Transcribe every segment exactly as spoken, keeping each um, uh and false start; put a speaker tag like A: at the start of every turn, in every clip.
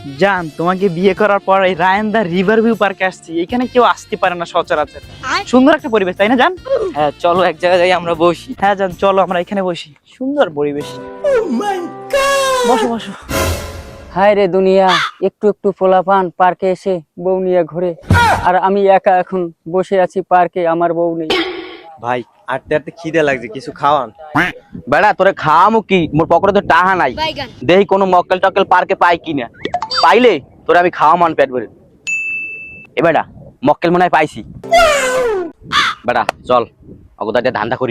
A: জান তোমাকে বিয়ে করার পর এই রায়ানদা রিভার ভিউ পার্কে আসছি। এখানে কেউ আসতে পারে না সচরাচর। সুন্দর একটা পরিবেশ, তাই না জান?
B: হ্যাঁ চলো এক জায়গায় যাই আমরা বসি।
A: হ্যাঁ জান, চলো আমরা এখানে বসি। সুন্দর পরিবেশ। বসো বসো।
B: হায় রে দুনিয়া, একটু একটু পোলাপান পার্কে এসে বউ নিয়ে ঘুরে, আর আমি একা এখন বসে আছি পার্কে, আমার বউ নেই।
C: ভাই আটতে আটতে খিদে লাগছে, কিছু খাওয়ান।
D: বেড়া তোরে খাওয়ামু কি, মোর পকেটে তো টাহা নাই। দেখি কোনো মক্কেল টক্কেল পার্কে পাই কিনা, পাইলে তোরে আমি খাওয়ামান পেট ভরে। এ বেড়া মক্কেল মনে হয় পাইছি। বেড়া চল অগদাতে ধান্দা করি।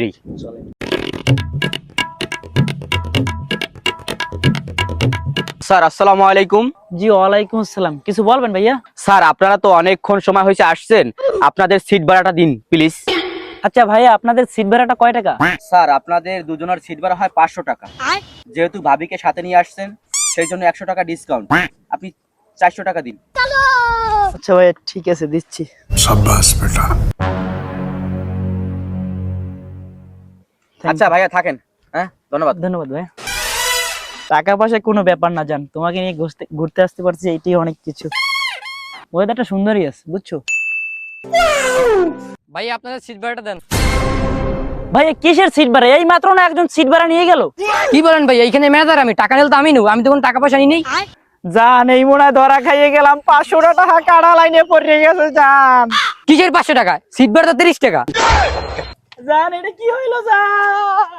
D: স্যার আসসালামু আলাইকুম।
A: জি ওয়ালাইকুম আসসালাম। কিছু বলবেন ভাইয়া?
D: স্যার আপনারা তো অনেকক্ষণ সময় হয়েছে আসছেন, আপনাদের সিট ভাড়াটা দিন প্লিজ।
A: আচ্ছা ভাইয়া, আপনাদের সিট ভাড়াটা কয় টাকা?
D: স্যার আপনাদের দুজনের সিট ভাড়া হয় পাঁচশো টাকা। যেহেতু ভাবিকে সাথে নিয়ে আসছেন সেই জন্য একশো টাকা ডিসকাউন্ট, আপনি চারশো টাকা দিন।
A: আচ্ছা ভাইয়া ঠিক আছে, দিচ্ছি।
E: शाबाश बेटा।
D: আচ্ছা ভাইয়া থাকেন, হ্যাঁ ধন্যবাদ।
A: ধন্যবাদ ভাইয়া। টাকা পয়সা কোনো ব্যাপার না জান, তোমাকে নিয়ে ঘুরতে ঘুরতে আসতে পারছি, এইটাই অনেক কিছু। ওয়েদারটা সুন্দরই আছে, বুঝছো?
B: ভাই আপনাদের সিট ভাড়াটা দেন।
A: ভাইয়া কিসের সিট ভাড়া? এই মাত্র না একজন সিট ভাড়া নিয়ে গেল।
B: কি বলেন ভাই, এইখানে ম্যানেজার, আমি টাকা নিলে তো আমি নেব, আমি তো কোনো টাকা পয়সা নিই নেই।
A: জান এই মনে হয় ধরা খাইয়ে গেলাম, পাঁচশো টাকা কাড়া লাইনে পড়ে গেছে জান।
B: কিসের পাঁচশো টাকা? সিট ভাড়া তো তিরিশ টাকা।
A: জান এটা কি হইলো জান?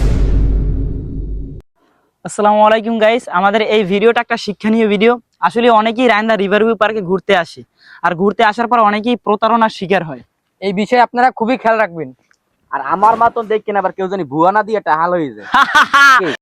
A: আসসালামু আলাইকুম গাইস, আমাদের এই ভিডিওটা একটা শিক্ষণীয় ভিডিও। আসলে অনেকেই রায়ানদা রিভার ভিউ পার্কে ঘুরতে আসে, আর ঘুরতে আসার পর অনেকেই প্রতারণার শিকার হয়।
B: এই বিষয়ে আপনারা খুবই খেয়াল রাখবেন।
D: আর আমার মতন দেখেন আবার কেউ জানি ভুয়া না দিয়ে টাহাল হয়ে যায়।